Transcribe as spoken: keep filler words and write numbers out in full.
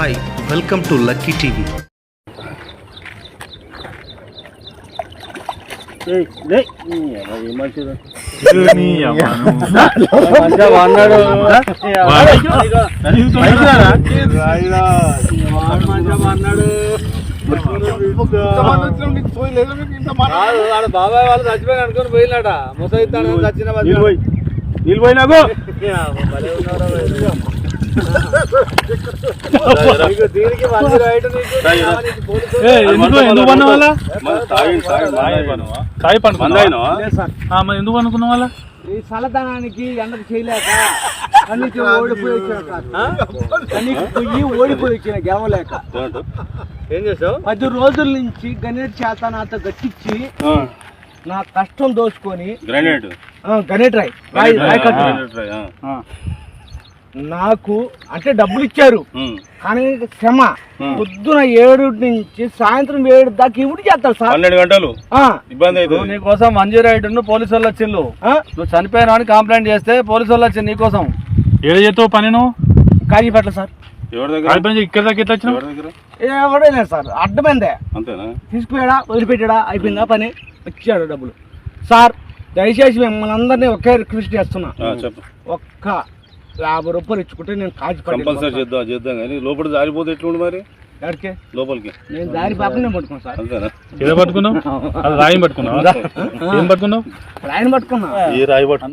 Hi welcome to lucky TV. బాబాయ్ వాళ్ళు చచ్చిపోయి అనుకుని పోయినాట ముసైతాను చచ్చిన నీళ్ళు పోయినాకు దీనికి మంచి రైట్ ఎందుకు పన్న వాళ్ళ ఎందుకు అనుకున్న వాళ్ళ ఈ చల్లదనానికి ఎండకు చేయలేక కన్నీకి ఓడిపోయి వచ్చిన కన్నీకి పోయి ఓడిపోయి వచ్చిన గెలవలేక ఏం చేసావు పది రోజుల నుంచి గణేట్ చేత నాతో గట్టించి నా కష్టం దోచుకొని గ్రానైట్ గణేట్ రాయ్ రాయ్ రాయ్ కట్టు నాకు అంటే డబ్బులు ఇచ్చారు కానీ శ్రమ పొద్దున ఏడు నుంచి సాయంత్రం ఏడు దాకా ఇవి చేస్తారు సార్ పన్నెండు గంటలు ఇబ్బంది అయితే నీకోసం మంజీ రైడ్ పోలీసు వాళ్ళు వచ్చిండు నువ్వు చనిపోయినా అని కంప్లైంట్ చేస్తే పోలీసు వాళ్ళు వచ్చింది నీకోసం ఏడు చేస్తావు పని నువ్వు కాజీపేట సార్ ఎవరి దగ్గర ఇక్కడ దాకా ఎట్లా వచ్చినావు ఎవరి దగ్గర ఎవడైనా సార్ అడ్డమైందే అంతేనా తీసుకుపోయాడా వదిలిపెట్టాడా అయిపోయిందా పని ఇచ్చాడు డబ్బులు సార్ దయచేసి మిమ్మల్ని అందరినీ ఒకే రిక్వెస్ట్ చేస్తున్నా ఒక్క యాభై రూపాయలు ఇచ్చుకుంటే నేను కాజీ కంపల్సరీ చేద్దాం చేద్దాం కానీ లోపల జారిపోతే ఎట్లుండి మరి ఎక్కడికి లోపలికి నేను దారి పాపనే పట్టుకున్నాను సార్ అంతేనా ఏదో పట్టుకున్నావు అది రాయి పట్టుకున్నావు ఏం పట్టుకున్నావు రాయిని పట్టుకున్నా ఏ రాయి పట్టుకున్నా